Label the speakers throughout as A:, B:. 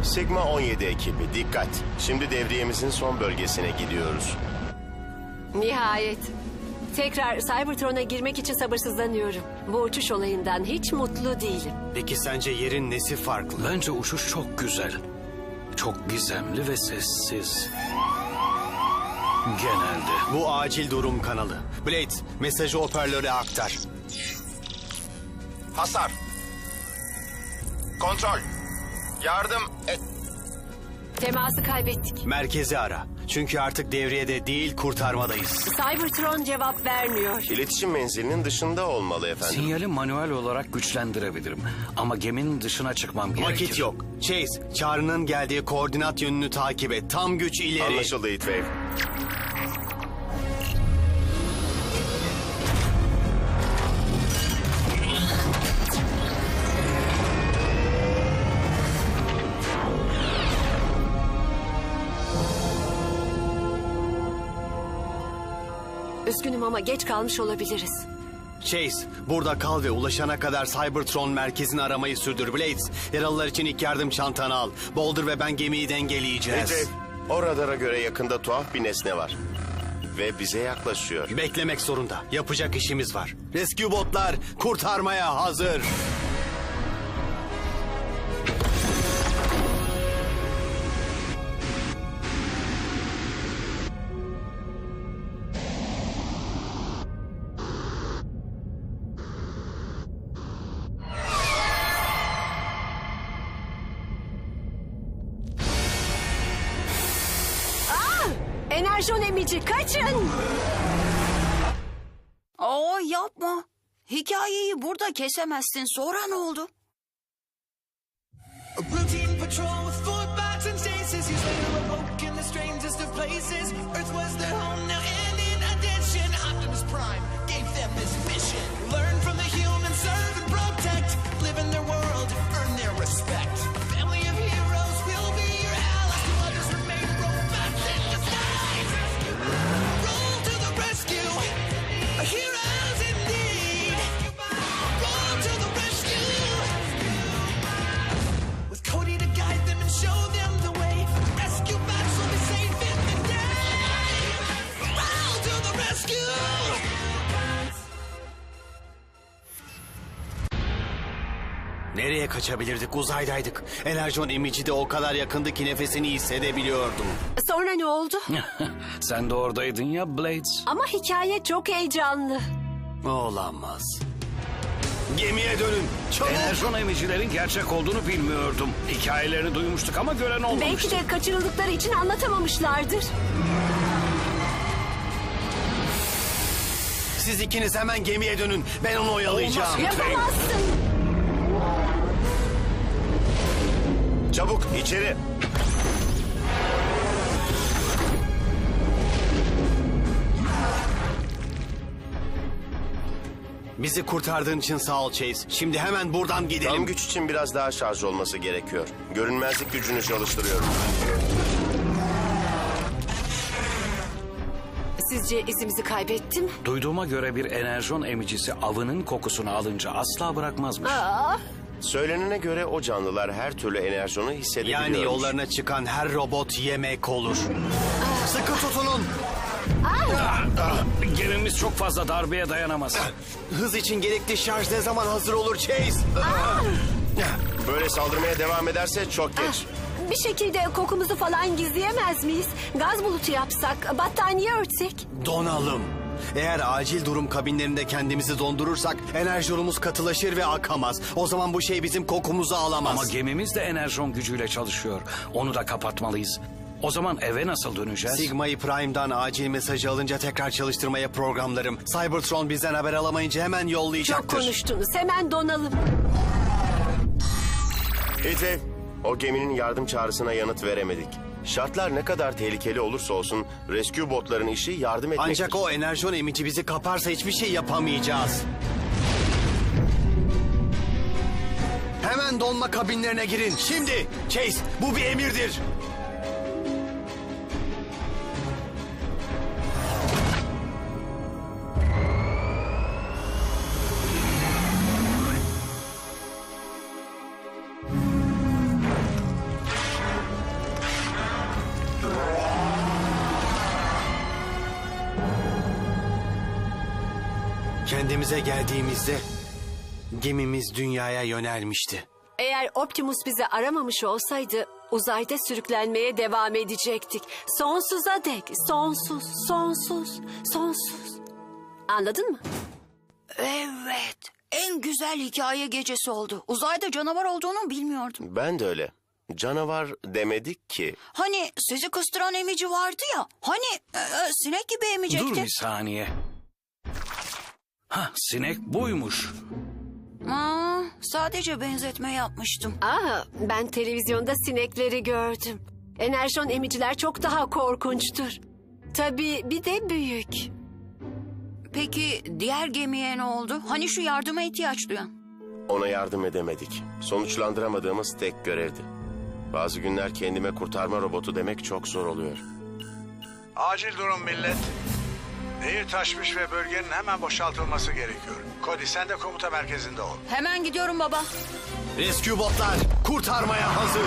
A: Sigma 17 ekibi dikkat. Şimdi devriyemizin son bölgesine gidiyoruz.
B: Nihayet. Tekrar Cybertron'a girmek için sabırsızlanıyorum. Bu uçuş olayından hiç mutlu değilim.
C: Peki sence yerin nesi farklı?
D: Bence uçuş çok güzel. Çok gizemli ve sessiz. Genelde.
C: Bu acil durum kanalı. Blade, mesajı hoparlöre aktar.
A: Hasar. Kontrol. Yardım et.
B: Teması kaybettik.
C: Merkezi ara. Çünkü artık devriyede değil, kurtarmadayız.
B: Cybertron cevap vermiyor.
A: İletişim menzilinin dışında olmalı efendim.
D: Sinyali manuel olarak güçlendirebilirim. Ama geminin dışına çıkmam gerekir.
C: Vakit yok. Chase, çağrının geldiği koordinat yönünü takip et. Tam güç ileri.
A: Anlaşıldı Heatwave.
B: Üzgünüm ama geç kalmış olabiliriz.
C: Chase, burada kal ve ulaşana kadar Cybertron merkezini aramayı sürdür. Blades, yaralılar için ilk yardım çantanı al. Boulder ve ben gemiyi dengeleyeceğiz.
A: Heatwave, o radara göre yakında tuhaf bir nesne var. Ve bize yaklaşıyor.
C: Beklemek zorunda. Yapacak işimiz var. Rescue botlar kurtarmaya hazır.
B: Enerjon emici kaçın!
E: Yapma. Hikayeyi burada kesemezsin. Sonra ne oldu?
F: A routine patrol with four bots and chases. He's later awoke in the strangest of places. Earth was their home now, and in addition, Optimus Prime gave them this mission: learn from the humans, serve and protect, live in their world, earn their respect. A family of heroes will be your allies. To others remain robots in disguise. Roll to the rescue, heroes indeed. Roll to the rescue. With Cody to guide them and show them the way, rescue bots will be safe in the day. Roll to the rescue.
C: Nereye kaçabilirdik? Uzaydaydık. Enerjon emici de o kadar yakındı ki nefesini hissedebiliyordum.
B: Sonra ne oldu?
D: Sen de oradaydın ya Blades.
B: Ama hikaye çok heyecanlı.
C: Olamaz. Gemiye dönün. Çabuk.
D: Enerjon emicilerin gerçek olduğunu bilmiyordum. Hikayelerini duymuştuk ama gören
B: Belki
D: olmamıştı.
B: de kaçırıldıkları için anlatamamışlardır.
C: Siz ikiniz hemen gemiye dönün. Ben onu oyalayacağım.
D: Olmaz.
B: Yapamazsın.
A: Çabuk içeri.
C: Bizi kurtardığın için sağ ol Chase. Şimdi hemen buradan gidelim.
A: Tam güç için biraz daha şarj olması gerekiyor. Görünmezlik gücünü çalıştırıyorum.
B: Sizce izimizi kaybettim?
D: Duyduğuma göre bir enerjon emicisi avının kokusunu alınca asla bırakmazmış.
A: Söylenene göre o canlılar her türlü enerjonu hissedebiliyormuş.
C: Yani yollarına çıkan her robot yemek olur. Sıkı tutunun.
D: Gemimiz çok fazla darbeye dayanamaz.
C: Hız için gerekli şarj ne zaman hazır olur Chase?
A: Böyle saldırmaya devam ederse çok geç.
B: Bir şekilde kokumuzu falan gizleyemez miyiz? Gaz bulutu yapsak, battaniye örtsek.
C: Donalım. Eğer acil durum kabinlerinde kendimizi dondurursak enerjonumuz katılaşır ve akamaz. O zaman bu şey bizim kokumuzu alamaz.
D: Ama gemimiz de enerjon gücüyle çalışıyor. Onu da kapatmalıyız. O zaman eve nasıl döneceğiz?
C: Sigma'yı Prime'dan acil mesajı alınca tekrar çalıştırmaya programlarım. Cybertron bizden haber alamayınca hemen
B: Çok
C: yollayacaktır.
B: konuştunuz. Hemen donalım.
A: Heatwave, o geminin yardım çağrısına yanıt veremedik. Şartlar ne kadar tehlikeli olursa olsun rescue botların işi yardım etmektir.
C: Ancak o enerjon emici bizi kaparsa hiçbir şey yapamayacağız. Hemen donma kabinlerine girin. Şimdi Chase, bu bir emirdir. Kendimize geldiğimizde gemimiz dünyaya yönelmişti.
B: Eğer Optimus bizi aramamış olsaydı uzayda sürüklenmeye devam edecektik. Sonsuza dek. Sonsuz, sonsuz, sonsuz. Anladın mı?
E: Evet. En güzel hikaye gecesi oldu. Uzayda canavar olduğunu bilmiyordum.
A: Ben de öyle. Canavar demedik ki.
E: Hani sizi kıstıran emici vardı ya. Hani sinek gibi emecekti.
D: Dur bir saniye. Sinek buymuş.
E: Sadece benzetme yapmıştım.
B: Ben televizyonda sinekleri gördüm. Enerjon emiciler çok daha korkunçtur. Tabii bir de büyük.
E: Peki diğer gemiye ne oldu? Hani şu yardıma ihtiyaç duyan?
A: Ona yardım edemedik. Sonuçlandıramadığımız tek görevdi. Bazı günler kendime kurtarma robotu demek çok zor oluyor.
G: Acil durum millet. Nehir taşmış ve bölgenin hemen boşaltılması gerekiyor. Cody sen de komuta merkezinde ol.
E: Hemen gidiyorum baba.
C: Rescue botlar kurtarmaya hazır.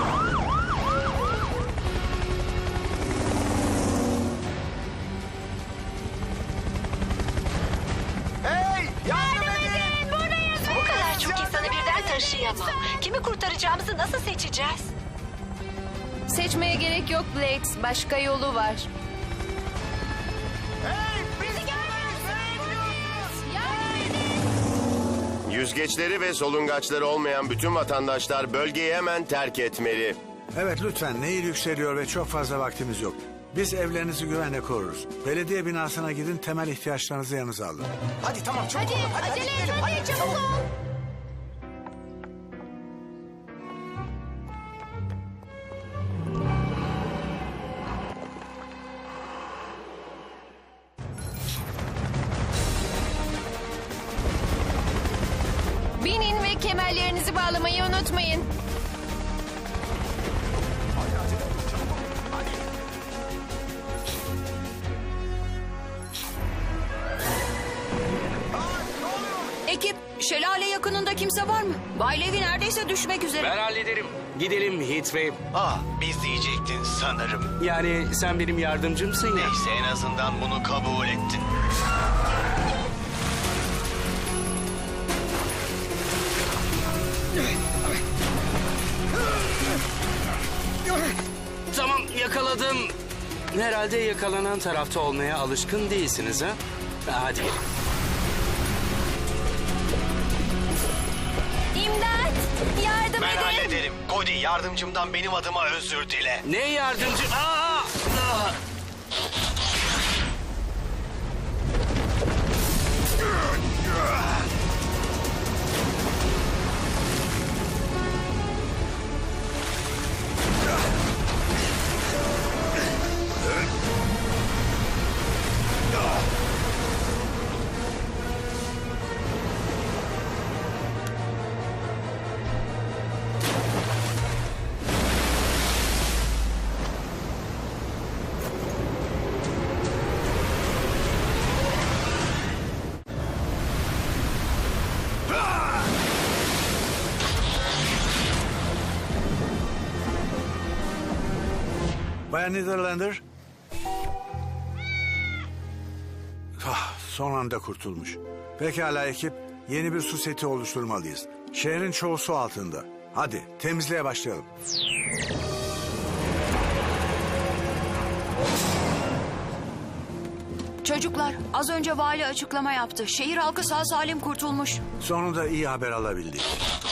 B: Bu kadar çok insanı birden taşıyamam. Kimi kurtaracağımızı nasıl seçeceğiz?
H: Seçmeye gerek yok Blades. Başka yolu var.
A: Yüzgeçleri ve solungaçları olmayan bütün vatandaşlar bölgeyi hemen terk etmeli.
G: Evet lütfen nehir yükseliyor ve çok fazla vaktimiz yok. Biz evlerinizi güvenle koruruz. Belediye binasına gidin temel ihtiyaçlarınızı yanınıza alın.
F: Hadi acele et hadi çabuk ol.
H: Binin ve kemerlerinizi bağlamayı unutmayın.
E: Ekip, şelale yakınında kimse var mı? Bay Levi neredeyse düşmek üzere.
I: Ben hallederim. Gidelim Heatwave.
C: Biz diyecektin sanırım.
I: Yani sen benim yardımcımsın ya.
C: Neyse en azından bunu kabul ettin.
I: Tamam yakaladım. Herhalde yakalanan tarafta olmaya alışkın değilsiniz ha? Hadi gelin.
H: İmdat! Yardım
C: Ben
H: edin!
C: hallederim. Cody yardımcımdan benim adıma özür dile.
I: Ne yardımcı?
G: Bayan Netherlander. Son anda kurtulmuş. Pekala ekip, yeni bir su seti oluşturmalıyız. Şehrin çoğu su altında. Hadi temizliğe başlayalım.
E: Çocuklar, az önce vali açıklama yaptı. Şehir halkı sağ salim kurtulmuş.
G: Sonunda iyi haber alabildik.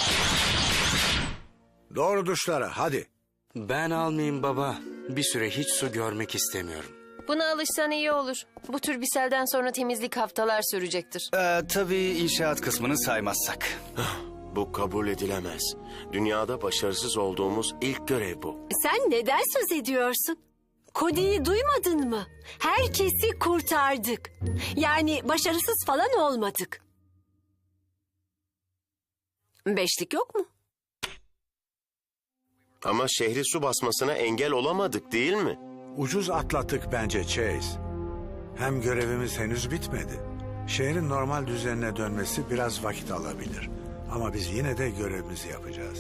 G: Doğru duşlara hadi.
I: Ben almayayım baba. Bir süre hiç su görmek istemiyorum.
H: Buna alışsan iyi olur. Bu tür bir selden sonra temizlik haftalar sürecektir.
C: Tabii inşaat kısmını saymazsak.
A: Bu kabul edilemez. Dünyada başarısız olduğumuz ilk görev bu.
B: Sen neden söz ediyorsun? Cody'yi duymadın mı? Herkesi kurtardık. Yani başarısız falan olmadık. Beşlik yok mu?
A: Ama şehri su basmasına engel olamadık değil mi?
G: Ucuz atlattık bence Chase. Hem görevimiz henüz bitmedi. Şehrin normal düzenine dönmesi biraz vakit alabilir. Ama biz yine de görevimizi yapacağız.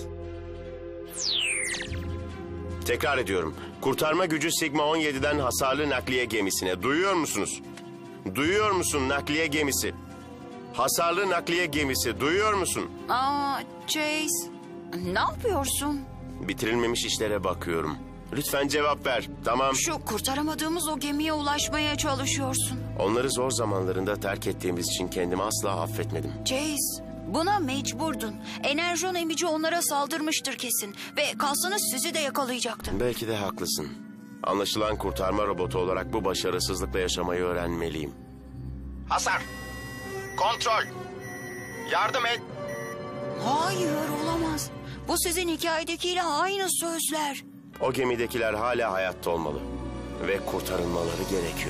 A: Tekrar ediyorum. Kurtarma gücü Sigma 17'den hasarlı nakliye gemisine. Duyuyor musunuz? Duyuyor musun nakliye gemisi? Hasarlı nakliye gemisi, duyuyor musun?
E: Aa, Chase, ne yapıyorsun?
A: Bitirilmemiş işlere bakıyorum. Lütfen cevap ver, tamam.
E: Şu kurtaramadığımız o gemiye ulaşmaya çalışıyorsun.
A: Onları zor zamanlarında terk ettiğimiz için kendimi asla affetmedim.
E: Chase, buna mecburdun. Enerjon emici onlara saldırmıştır kesin. Ve kalsanız sizi de yakalayacaktı.
A: Belki de haklısın. Anlaşılan kurtarma robotu olarak bu başarısızlıkla yaşamayı öğrenmeliyim. Hasar! Kontrol! Yardım et!
E: Hayır, olamaz. Bu sizin hikayedekiyle aynı sözler.
A: O gemidekiler hala hayatta olmalı. Ve kurtarılmaları gerekiyor.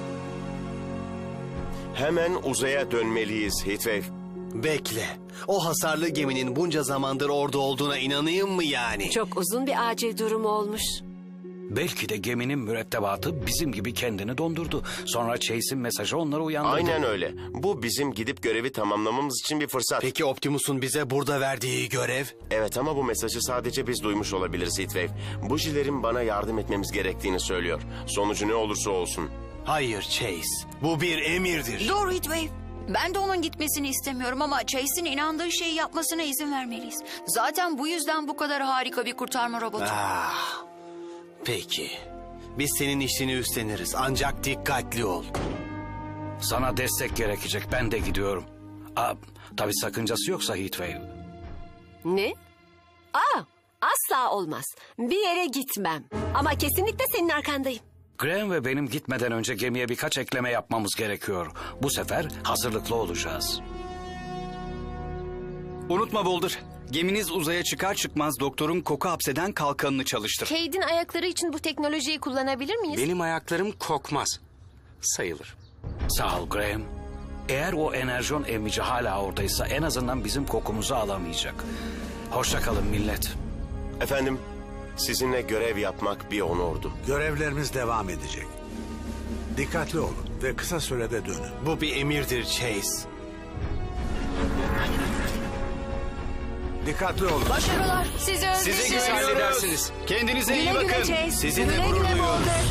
A: Hemen uzaya dönmeliyiz Heatwave.
C: Bekle. O hasarlı geminin bunca zamandır orada olduğuna inanayım mı yani?
B: Çok uzun bir acil durum olmuş.
D: Belki de geminin mürettebatı bizim gibi kendini dondurdu. Sonra Chase'in mesajı onları uyandırdı.
A: Aynen öyle. Bu bizim gidip görevi tamamlamamız için bir fırsat.
C: Peki Optimus'un bize burada verdiği görev?
A: Evet ama bu mesajı sadece biz duymuş olabiliriz Heatwave. Bujilerin bana yardım etmemiz gerektiğini söylüyor. Sonucu ne olursa olsun.
C: Hayır Chase. Bu bir emirdir.
E: Dur Heatwave. Ben de onun gitmesini istemiyorum ama Chase'in inandığı şeyi yapmasına izin vermeliyiz. Zaten bu yüzden bu kadar harika bir kurtarma robotu.
C: Ah, peki. Biz senin işini üstleniriz. Ancak dikkatli ol.
D: Sana destek gerekecek. Ben de gidiyorum. Tabii sakıncası yoksa Heatwave.
B: Ne? Asla olmaz. Bir yere gitmem. Ama kesinlikle senin arkandayım.
D: Graham ve benim gitmeden önce gemiye birkaç ekleme yapmamız gerekiyor. Bu sefer hazırlıklı olacağız.
J: Unutma Boulder. Geminiz uzaya çıkar çıkmaz doktorun koku hapseden kalkanını çalıştır.
H: Cade'in ayakları için bu teknolojiyi kullanabilir miyiz?
I: Benim ayaklarım kokmaz. Sayılır.
D: Sağ ol Graham. Eğer o enerjon emici hala oradaysa en azından bizim kokumuzu alamayacak. Hoşça kalın millet.
A: Efendim, sizinle görev yapmak bir onurdu.
G: Görevlerimiz devam edecek. Dikkatli olun ve kısa sürede dönün.
C: Bu bir emirdir Chase.
G: Dikkatli olun.
E: Başarılar. Sizi özledim.
I: Siz halledersiniz.
C: Kendinize iyi
B: Güle güle
C: bakın.
B: Chase.
C: Sizinle
B: Güle
C: gurur
B: güle
C: duyuyoruz.
B: Boulder.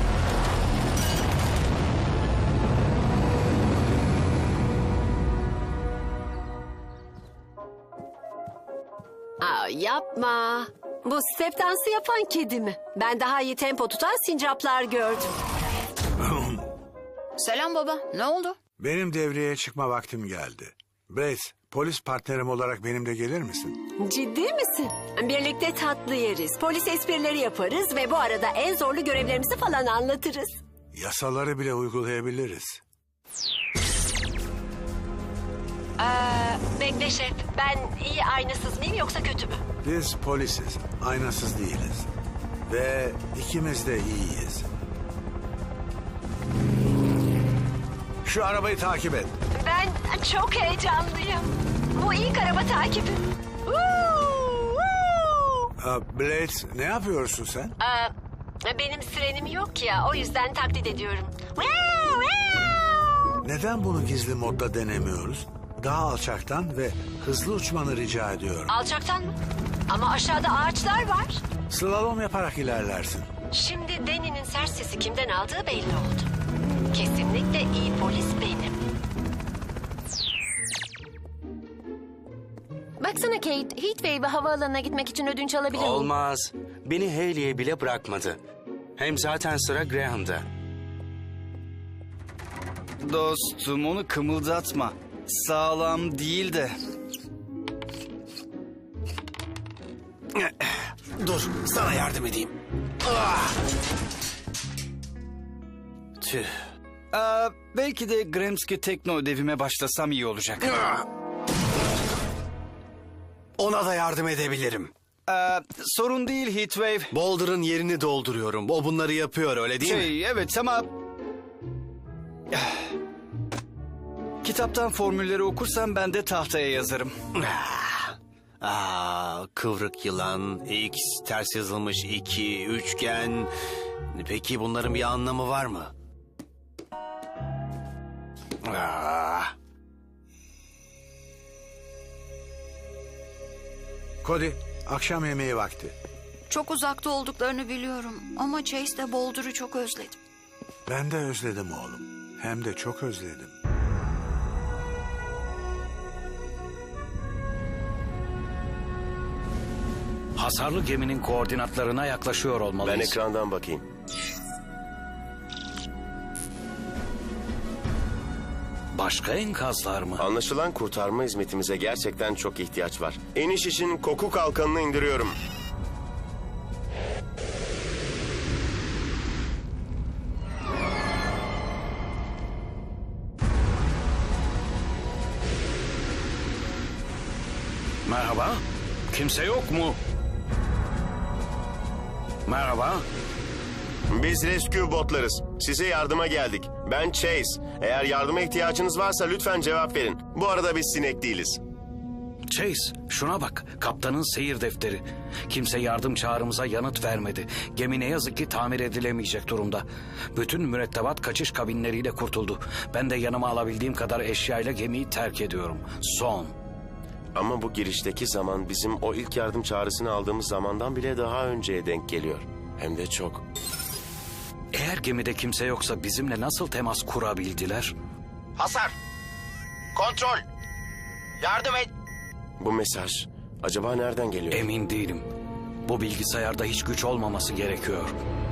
B: Yapma. Bu step dansı yapan kedi mi? Ben daha iyi tempo tutan sincaplar gördüm.
E: Selam baba. Ne oldu?
G: Benim devreye çıkma vaktim geldi. Brace, polis partnerim olarak benimle gelir misin?
B: Ciddi misin? Birlikte tatlı yeriz, polis esprileri yaparız ve bu arada en zorlu görevlerimizi falan anlatırız.
G: Yasaları bile uygulayabiliriz.
B: Bekle şef, ben iyi aynasız mıyım yoksa kötü mü?
G: Biz polisiz, aynasız değiliz. Ve ikimiz de iyiyiz. Şu arabayı takip et.
B: Ben çok heyecanlıyım. Bu ilk araba takibi.
G: Blades, ne yapıyorsun sen?
B: Benim sirenim yok ya, o yüzden taklit ediyorum.
G: Neden bunu gizli modda denemiyoruz? Daha alçaktan ve hızlı uçmanı rica ediyorum.
B: Alçaktan mı? Ama aşağıda ağaçlar var.
G: Slalom yaparak ilerlersin.
B: Şimdi Danny'nin sert sesi kimden aldığı belli oldu. Kesinlikle iyi polis benim.
H: Baksana Kate, Heatwave'e havaalanına gitmek için ödünç alabilir miyim?
I: Olmaz. Beni Haley'e bile bırakmadı. Hem zaten sıra Graham'da.
J: Dostum onu kımıldatma. Sağlam değil de.
C: Dur, sana yardım edeyim. Tüh.
J: Belki de Gramsci tekno ödevime başlasam iyi olacak.
C: Ona da yardım edebilirim.
J: Sorun değil Heatwave.
C: Boulder'ın yerini dolduruyorum. O bunları yapıyor, öyle değil mi?
J: Evet ama... Kitaptan formülleri okursam ben de tahtaya yazarım.
C: Kıvrık yılan, X, ters yazılmış 2, üçgen... Peki bunların bir anlamı var mı?
G: Cody, akşam yemeği vakti.
E: Çok uzakta olduklarını biliyorum. Ama Chase de Boulder'ı çok özledim.
G: Ben de özledim oğlum. Hem de çok özledim.
D: Hasarlı geminin koordinatlarına yaklaşıyor
A: Ben
D: olmalıyız.
A: ekrandan bakayım.
D: Başka enkazlar mı?
A: Anlaşılan kurtarma hizmetimize gerçekten çok ihtiyaç var. İniş için koku kalkanını indiriyorum.
D: Merhaba. Kimse yok mu? Merhaba.
A: Biz rescue botlarız. Size yardıma geldik. Ben Chase. Eğer yardıma ihtiyacınız varsa lütfen cevap verin. Bu arada biz sinek değiliz.
D: Chase, şuna bak. Kaptanın seyir defteri. Kimse yardım çağrımıza yanıt vermedi. Gemi ne yazık ki tamir edilemeyecek durumda. Bütün mürettebat kaçış kabinleriyle kurtuldu. Ben de yanıma alabildiğim kadar eşyayla gemiyi terk ediyorum. Son.
A: Ama bu girişteki zaman bizim o ilk yardım çağrısını aldığımız zamandan bile daha önceye denk geliyor. Hem de çok.
D: Eğer gemide kimse yoksa bizimle nasıl temas kurabildiler?
A: Hasar! Kontrol! Yardım et! Bu mesaj acaba nereden geliyor?
D: Emin değilim. Bu bilgisayarda hiç güç olmaması gerekiyor.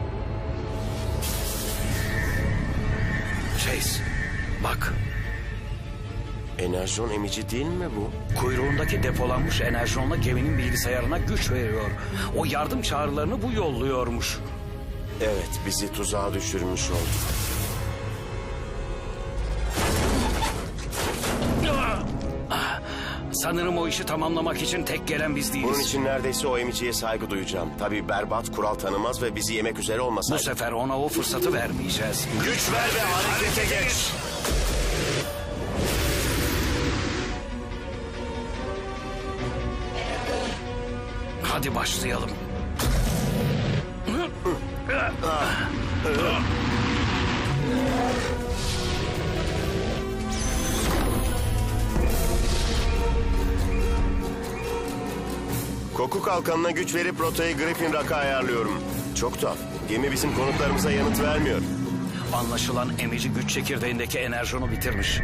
D: Chase, bak.
A: Enerjon emici değil mi bu?
D: Kuyruğundaki depolanmış enerjonla geminin bilgisayarına güç veriyor. O yardım çağrılarını bu yolluyormuş.
A: Evet, bizi tuzağa düşürmüş oldu.
D: Sanırım o işi tamamlamak için tek gelen biz değiliz.
A: Bunun için neredeyse o emiciye saygı duyacağım. Tabii berbat, kural tanımaz ve bizi yemek üzere
D: Bu
A: olmasaydı.
D: sefer ona o fırsatı vermeyeceğiz.
A: Güç ver ve harekete geç.
D: Hadi başlayalım.
A: Koku kalkanına güç verip rotayı Griffin Rock'a ayarlıyorum. Çok tuhaf. Gemi bizim konutlarımıza yanıt vermiyor.
D: Anlaşılan emici güç çekirdeğindeki enerjonu bitirmiş.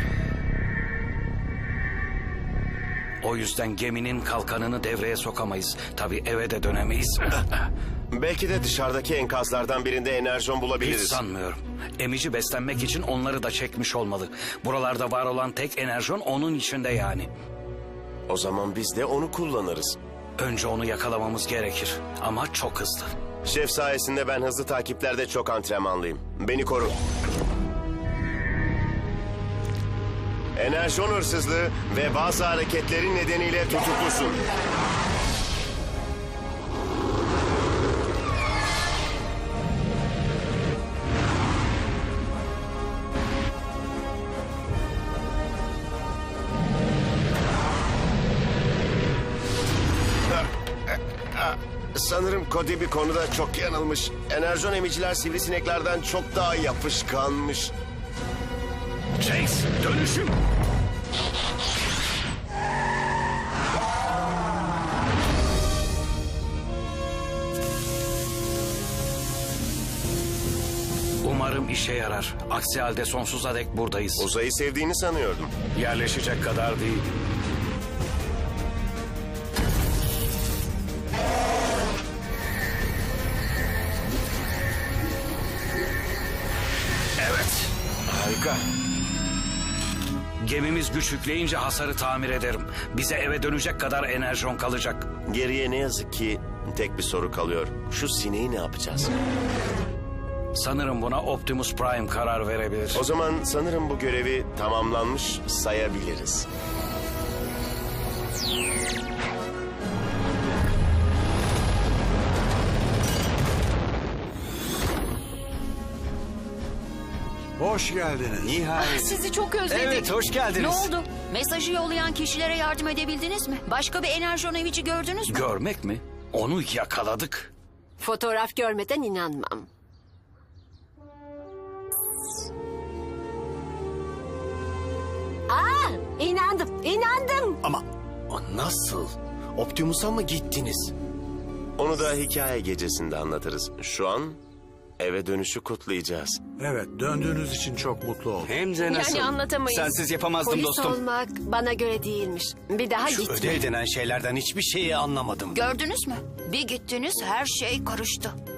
D: O yüzden geminin kalkanını devreye sokamayız. Tabii eve de dönemeyiz.
A: Belki de dışarıdaki enkazlardan birinde enerjon
D: Hiç
A: bulabiliriz.
D: sanmıyorum. Emici beslenmek için onları da çekmiş olmalı. Buralarda var olan tek enerjon onun içinde yani.
A: O zaman biz de onu kullanırız.
D: Önce onu yakalamamız gerekir. Ama çok hızlı.
A: Şef sayesinde ben hızlı takiplerde çok antrenmanlıyım. Beni koru. Enerjon hırsızlığı ve bazı hareketlerin nedeniyle tutuklusun. Sanırım Cody bir konuda çok yanılmış. Enerjon emiciler sivrisineklerden çok daha yapışkanmış.
D: Chase, dönüşüm. Umarım işe yarar. Aksi halde sonsuza dek buradayız.
A: Uzayı sevdiğini sanıyordum.
D: Yerleşecek kadar değil. Evet.
A: Harika.
D: Gemimiz güç yükleyince hasarı tamir ederim. Bize eve dönecek kadar enerjon kalacak.
A: Geriye ne yazık ki tek bir soru kalıyor. Şu sineği ne yapacağız?
D: Sanırım buna Optimus Prime karar verebilir.
A: O zaman sanırım bu görevi tamamlanmış sayabiliriz.
G: Hoş geldiniz.
J: Nihayet.
E: Sizi çok özledik.
J: Evet, hoş geldiniz.
E: Ne oldu? Mesajı yollayan kişilere yardım edebildiniz mi? Başka bir enerjon emici gördünüz mü?
D: Görmek mi? Onu yakaladık.
B: Fotoğraf görmeden inanmam. İnandım.
C: Ama nasıl? Optimus'a mı gittiniz?
A: Onu da hikaye gecesinde anlatırız. Şu an Eve dönüşü kutlayacağız.
G: Evet, döndüğünüz için çok mutlu oldum.
I: Hem de nasıl?
H: Yani anlatamayız.
J: Sensiz yapamazdım
B: Polis
J: dostum.
B: olmak bana göre değilmiş. Bir daha
C: Şu
B: gitme.
C: ödev denen şeylerden hiçbir şeyi anlamadım.
E: Gördünüz mü? Bir gittiniz her şey karıştı.